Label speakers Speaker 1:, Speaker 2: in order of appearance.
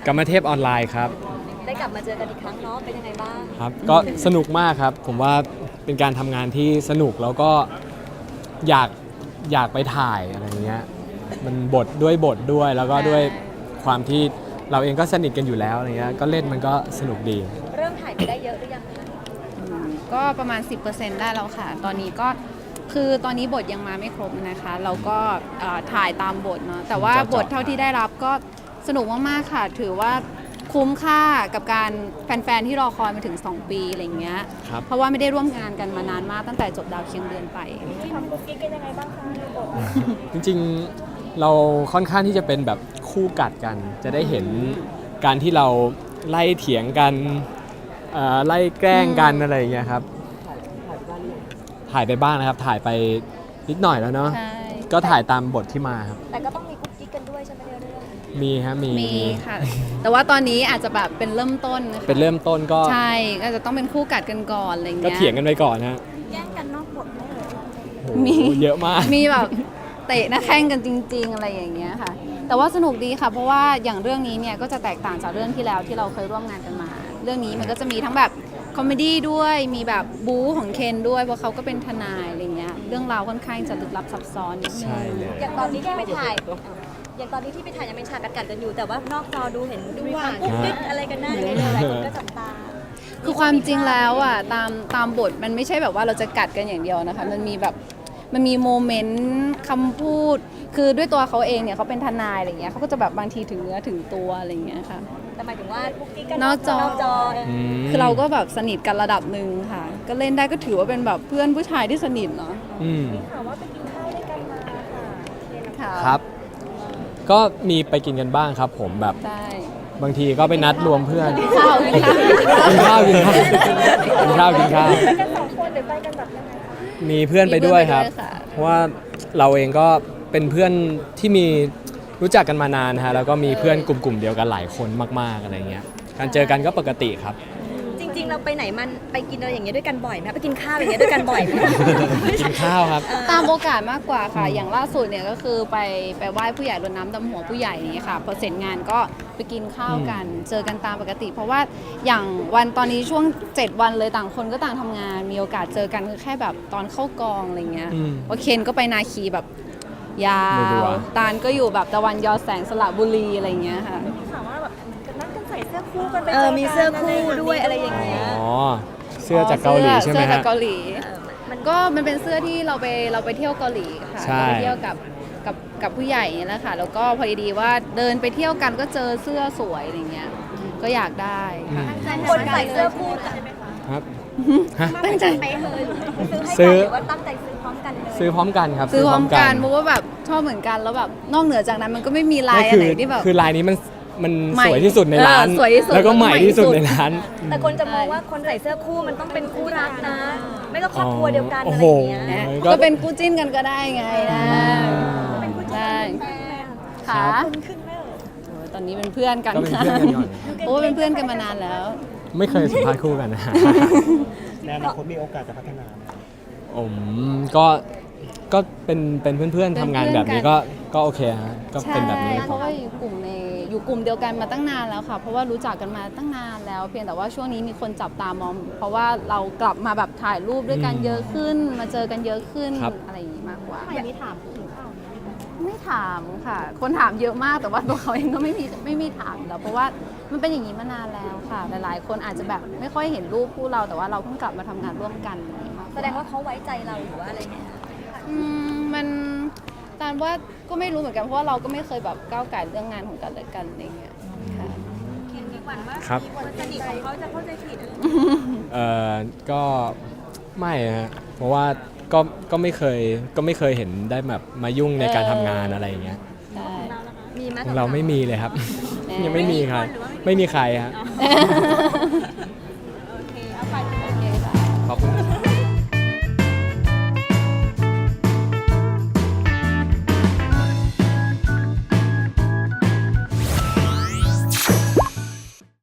Speaker 1: กรรมเทพออนไลน์ครับ
Speaker 2: ได้กลับมาเจอกันอีกครั้งเนาะเป็นยังไงบ้าง
Speaker 1: ครับก็สนุกมากครับผมว่าเป็นการทำงานที่สนุกแล้วก็อยากอยากไปถ่ายอะไรเงี้ยมันบทด้วยแล้วก็ด้วยความที่เราเองก็สนิทกันอยู่แล้วอะไรเงี้ยก็เล่นมันก็สนุกดี
Speaker 2: เริ่มถ่ายไปได้เยอะหรือยังคะ
Speaker 3: ก็ประมาณ 10% ได้แล้วค่ะตอนนี้ก็คือตอนนี้บทยังมาไม่ครบนะคะเราก็ถ่ายตามบทเนาะแต่ว่าบทเท่าที่ได้รับก็สนุกมากๆค่ะถือว่าคุ้มค่ากับการแฟนๆที่รอคอยมาถึง2ปีอะไรเงี้ยเพราะว่าไม่ได้ร่วมงานกันมานานมากตั้งแต่จบดาวเคียงเดือนไป
Speaker 2: ทำกุ๊กกิ๊กกันยังไงบ้างคะในบท
Speaker 1: จริงๆเราค่อนข้างที่จะเป็นแบบคู่กัดกันจะได้เห็นการที่เราไล่เถียงกันไล่แกล้งกันอะไรอย่างเงี้ยครับถ่ายไปบ้างนะครับถ่ายไปนิดหน่อยแล้วเนาะก็ถ่ายตามบทที่มาครับ
Speaker 2: แต่ก็ต้องมีกุ๊กกิ๊กกันด้วยใช่ไหมเรื่อง
Speaker 1: มีครับมี
Speaker 3: ค่ะแต่ว่าตอนนี้อาจจะแบบเป็นเริ่มต้นนะคะ
Speaker 1: เป็นเริ่มต้นก็
Speaker 3: ใช่ก็จะต้องเป็นคู่กัดกันก่อนอะไรเงี้ย
Speaker 1: ก็เถียงกันไปก่อนฮะ
Speaker 2: แย่งกันนอกบทไม่เลย
Speaker 3: มี
Speaker 1: เยอะมาก
Speaker 3: มีแบบเตะหน้าแข้งกันจริงๆอะไรอย่างเงี้ยค่ะแต่ว่าสนุกดีค่ะเพราะว่าอย่างเรื่องนี้เนี่ยก็จะแตกต่างจากเรื่องที่แล้วที่เราเคยร่วมงานกันมาเรื่องนี้มันก็จะมีทั้งแบบคอมเมดี้ด้วยมีแบบบู๊ของเคนด้วยเพราะเขาก็เป็นทนายอะไรเงี้ยเรื่องราวค่อนข้างจะลึกลับซับซ้อนนิดนึง
Speaker 2: อย่างตอนนี้ที่ไปถ่ายยังเป็นฉากกัดกันอยู่แต่ว่านอกจอดูเห็นดูมีความกุ๊กกิ๊กอะไรกันน่าเลยหลายคนก็จับตา
Speaker 3: คือความจริงแล้วอ่ะตามบทมันไม่ใช่แบบว่าเราจะกัดกันอย่างเดียวนะคะมันมีโมเมนต์คำพูดคือด้วยตัวเขาเองเนี่ยเขาเป็นทนายอะไรเงี้ยเขาก็จะแบบบางทีถึงเนื้อถึงตัวอะไรเงี้ยค่ะ
Speaker 2: แต่หมายถึงว่ากุ๊กกิ๊กกัน
Speaker 3: นอกจอคือเราก็แบบสนิทกันระดับหนึ่งค่ะก็เล่นได้ก็ถือว่าเป็นแบบเพื่อนผู้ชายที่สนิทเนาะ
Speaker 2: มีข่าวว่าไปกินข้าวด้วยกันมา
Speaker 1: ค่ะครับก็มีไปกินกันบ้างครับผมแบบบางทีก็ไปนัดรวมเพื่อน
Speaker 3: กินข้าว
Speaker 1: ไปกัน2 คนหรือ
Speaker 2: ไปกันแบบยังไง
Speaker 1: มีเพื่อนไปด้วยครับเพราะว่าเราเองก็เป็นเพื่อนที่มีรู้จักกันมานานฮะแล้วก็มีเพื่อนกลุ่มเดียวกันหลายคนมากๆอะไรเงี้ยการเจอกันก็ปกติครับ
Speaker 2: จริงๆเราไปไหนมันไปกินอะไรอย่างเงี้ยด้วยกันบ่อยไหมไปกินข้าวอย่างเงี้ยด้วยกันบ่อยไหม
Speaker 1: กินข้าวครับ
Speaker 3: ตามโอกาสมากกว่าค่ะอย่างล่าสุดเนี่ยก็คือไปไหว้ผู้ใหญ่รดน้ำดำหัวผู้ใหญ่นี่ค่ะพอเสร็จงานก็ไปกินข้าวกันเจอกันตามปกติเพราะว่าอย่างวันตอนนี้ช่วง7 วันเลยต่างคนก็ต่างทำงานมีโอกาสเจอกันคือแค่แบบตอนเข้ากองอะไรเงี้ยเพราะเคนก็ไปนาคีแบบยาวตาลก็อยู่แบบตะวันยอแสงสระบุรีอะไรเงี้ยค่ะ
Speaker 2: ถามว่าแบบนัดกันใส่เสื้อคู่กันไปมีเสื้อคู่ด้วยอะไรอย่างเงี้ย
Speaker 1: อ๋อเสื้อจากเกาหลีใช่ไหมฮะ
Speaker 3: เสื้อจากเกาหลีมันเป็นเสื้อที่เราไปเที่ยวเกาหลีค่ะไปเที่ยวกับผู้ใหญ่นี่แหละค่ะแล้วก็พอดีว่าเดินไปเที่ยวกันก็เจอเสื้อสวยอะไรเงี้ยก็อยากได้ค่ะ
Speaker 2: คนใส่เสื้อคู่ใช่ไหมคะ
Speaker 1: ครับ
Speaker 3: ตั้งใจ
Speaker 1: ซื้อ
Speaker 2: ว่าตั้งใจซื้อพร้อมกันเลย
Speaker 1: ซื้อพร้อมกันครับ
Speaker 3: ซื้อพร้อมกันเพราะว่าแบบชอบเหมือนกันแล้วแบบนอกเหนือจากนั้นมันก็ไม่มีลายอะไรที่แบบ
Speaker 1: คือลายนี้มันสวยที่สุดในร้านแล้วก็ใหม่ที่สุดในร้าน
Speaker 2: แต่คนจะมองว่าคนใส่เสื้อคู่มันต้องเป็นคู่รักนะไม่ก็ครอบครัวเดียวกันอะไรอย่างเงี้ย
Speaker 3: ก็เป็นคู่จิ้นกันก็ได้ไงนะ
Speaker 2: เป็นคู่จิ้นกัน
Speaker 3: ค่ะ
Speaker 2: ขึ้นไหม
Speaker 3: ตอนนี้เป็นเพื่อนกันค่ะโอ้เป็นเพื่อนกันมานานแล้ว
Speaker 1: ไม่เคยสัมภาษณ์คู่กันนะ
Speaker 4: ในอนาคตมีโอกาสจะพัฒนา
Speaker 1: ก็เป็นเพื่อนๆทำงานแบบนี้ก็โอเคฮะก็เป็นแบบนี้
Speaker 3: เพราะว่าอยู่กลุ่มเดียวกันมาตั้งนานแล้วค่ะเพราะว่ารู้จักกันมาตั้งนานแล้วเพียงแต่ว่าช่วงนี้มีคนจับตามองเพราะว่าเรากลับมาแบบถ่ายรูปด้วยกันเยอะขึ้นมาเจอกันเยอะขึ้นอะไรอย่างนี้มากกว่า
Speaker 2: ไม่ถามถึงข่าว
Speaker 3: ไม่ถามค่ะคนถามเยอะมากแต่ว่าตัวเขาเองก็ไม่มีถามแล้วเพราะว่ามันเป็นอย่างนี้มานานแล้วค่ะหลายๆคนอาจจะแบบไม่ค่อยเห็นรูปคู่เราแต่ว่าเราเพิ่งกลับมาทำงานร่วมกัน
Speaker 2: แสดงว่าเขาไว้ใจเราหรือว่าอะไรเนี่ย
Speaker 3: มันตามว่าก็ไม่รู้เหมือนกันเพราะว่าเราก็ไม่เคยแบบก้าวไก่เรื่องงานของกันและกันอะไรเงี้ยค่ะ
Speaker 1: ครับ
Speaker 2: คนสนิทของเขาจะเข้าใจผิด
Speaker 1: ก็ไม่ฮะเพราะว่าก็ไม่เคยเห็นได้แบบมายุ่งในการทำงานอะไรอย่างเงี้ย
Speaker 2: มีมั้ย
Speaker 1: เราไม่มีเลยครับยังไม่มีใครไม่มีใครฮะ